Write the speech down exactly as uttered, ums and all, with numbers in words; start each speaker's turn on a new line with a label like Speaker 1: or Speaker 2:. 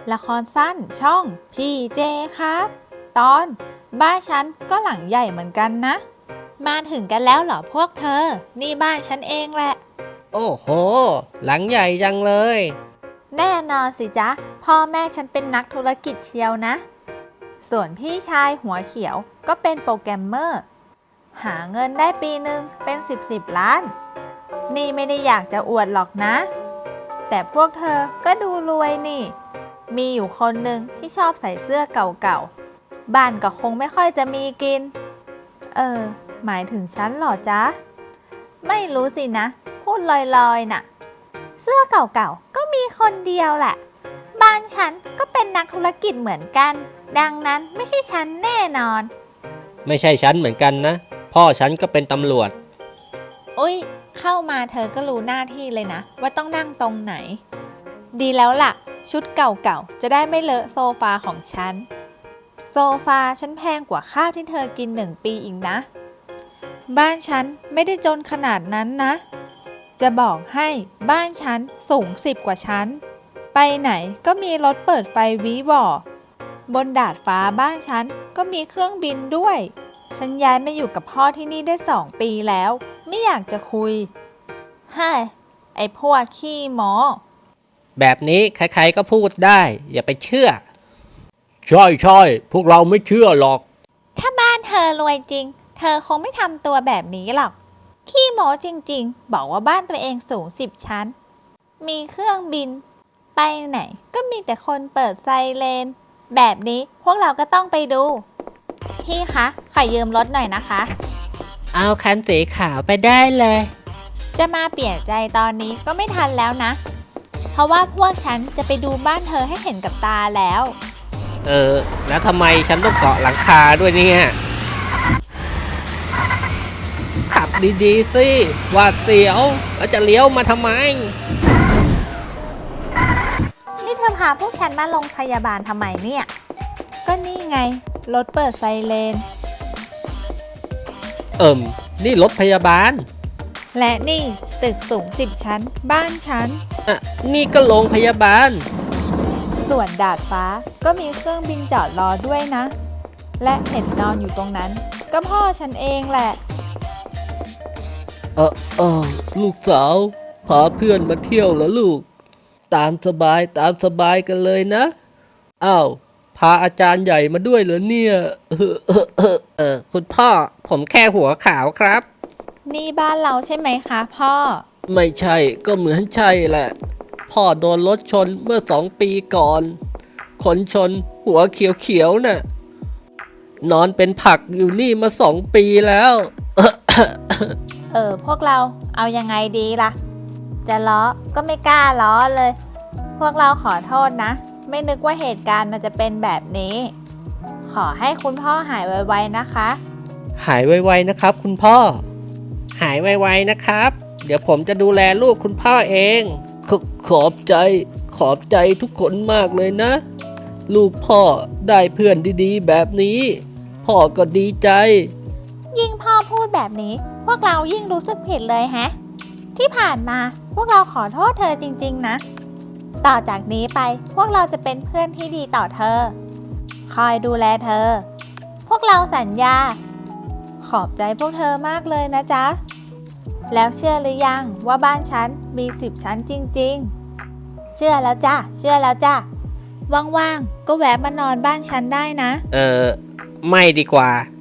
Speaker 1: ละครสั้นช่องพี่เจครับตอนบ้านฉันก็หลังใหญ่เหมือนกันนะมาถึงกันแล้วเหรอพวกเธอนี่บ้านฉันเองแหละ
Speaker 2: โอ้โหหลังใหญ่จังเลย
Speaker 1: แน่นอนสิจ๊ะพ่อแม่ฉันเป็นนักธุรกิจเชียวนะส่วนพี่ชายหัวเขียวก็เป็นโปรแกรมเมอร์หาเงินได้ปีหนึ่งเป็นสิบสิบล้านนี่ไม่ได้อยากจะอวดหรอกนะแต่พวกเธอก็ดูรวยนี่มีอยู่คนหนึ่งที่ชอบใส่เสื้อเก่าๆบ้านก็คงไม่ค่อยจะมีกินเออหมายถึงฉันเหรอจ๊ะไม่รู้สินะพูดลอยๆน่ะเสื้อเก่าๆก็มีคนเดียวแหละบ้านฉันก็เป็นนักธุรกิจเหมือนกันดังนั้นไม่ใช่ฉันแน่นอน
Speaker 2: ไม่ใช่ฉันเหมือนกันนะพ่อฉันก็เป็นตำรวจ
Speaker 1: อุ๊ยเข้ามาเธอก็รู้หน้าที่เลยนะว่าต้องนั่งตรงไหนดีแล้วล่ะชุดเก่าๆจะได้ไม่เลอะโซฟาของฉันโซฟาฉันแพงกว่าข้าวที่เธอกินหนึ่งปีอีกนะบ้านฉันไม่ได้จนขนาดนั้นนะจะบอกให้บ้านฉันสูงสิบกว่าชั้นไปไหนก็มีรถเปิดไฟวิวอบนดาดฟ้าบ้านฉันก็มีเครื่องบินด้วยฉันย้ายมาอยู่กับพ่อที่นี่ได้สองปีแล้วไม่อยากจะคุยเฮ้ยไอ้พวกขี้หมอ
Speaker 2: แบบนี้ใครๆก็พูดได้อย่าไปเชื่อ
Speaker 3: ใช่ใช่พวกเราไม่เชื่อหรอก
Speaker 1: ถ้าบ้านเธอรวยจริงเธอคงไม่ทำตัวแบบนี้หรอกขี้โม้จริงๆบอกว่าบ้านตัวเองสูงสิบชั้นมีเครื่องบินไปไหนก็มีแต่คนเปิดไซเรนแบบนี้พวกเราก็ต้องไปดูพี่คะขอยืมรถหน่อยนะคะ
Speaker 2: เอาคันสีขาวไปได้เลย
Speaker 1: จะมาเปลี่ยนใจตอนนี้ก็ไม่ทันแล้วนะเพราะว่าพวกฉันจะไปดูบ้านเธอให้เห็นกับตาแล้ว
Speaker 2: เออแล้วทำไมฉันต้องเกาะหลังคาด้วยเนี่ยขับดีๆสิหวาดเสียวแล้วจะเลี้ยวมาทำไม
Speaker 1: นี่เธอพาพวกฉันมาโรงพยาบาลทำไมเนี่ยก็นี่ไงรถเปิดไซเรน
Speaker 2: เอิ่มนี่รถพยาบาล
Speaker 1: และนี่ตึกสูงสิบชั้นบ้านฉัน
Speaker 2: อ่ะนี่ก็โรงพยาบาล
Speaker 1: ส่วนดาดฟ้าก็มีเครื่องบินจอดรอด้วยนะและเห็นนอนอยู่ตรงนั้นก็พ่อฉันเองแหละ
Speaker 3: เออเออลูกสาวพาเพื่อนมาเที่ยวเหรอลูกตามสบายตามสบายกันเลยนะอ้าวพาอาจารย์ใหญ่มาด้วยเหรอเนี่ยเออเออเออ
Speaker 2: เออคุณพ่อผมแค่หัวขาวครับ
Speaker 1: นี่บ้านเราใช่ไหมคะพ่อ
Speaker 3: ไม่ใช่ก็เหมือนใช่แหละพ่อโดนรถชนเมื่อสองปีก่อนคนชนหัวเขียวๆน่ะนอนเป็นผักอยู่นี่มาสองปีแล้ว
Speaker 1: เออพวกเราเอายังไงดีล่ะจะล้อก็ไม่กล้าล้อเลยพวกเราขอโทษนะไม่นึกว่าเหตุการณ์มันจะเป็นแบบนี้ขอให้คุณพ่อหายไวๆนะคะ
Speaker 2: หายไวๆนะครับคุณพ่อหายไวๆนะครับเดี๋ยวผมจะดูแลลูกคุณพ่อเอง
Speaker 3: ขขอบใจขอบใจทุกคนมากเลยนะลูกพ่อได้เพื่อนดีๆแบบนี้พ่อก็ดีใจ
Speaker 1: ยิ่งพ่อพูดแบบนี้พวกเรายิ่งรู้สึกผิดเลยแฮะที่ผ่านมาพวกเราขอโทษเธอจริงๆนะต่อจากนี้ไปพวกเราจะเป็นเพื่อนที่ดีต่อเธอคอยดูแลเธอพวกเราสัญญาขอบใจพวกเธอมากเลยนะจ๊ะแล้วเชื่อหรือยังว่าบ้านฉันมีสิบชั้นจริงๆเชื่อแล้วจ้ะเชื่อแล้วจ้ะว่างๆก็แวะมานอนบ้านฉันได้นะ
Speaker 2: เออไม่ดีกว่า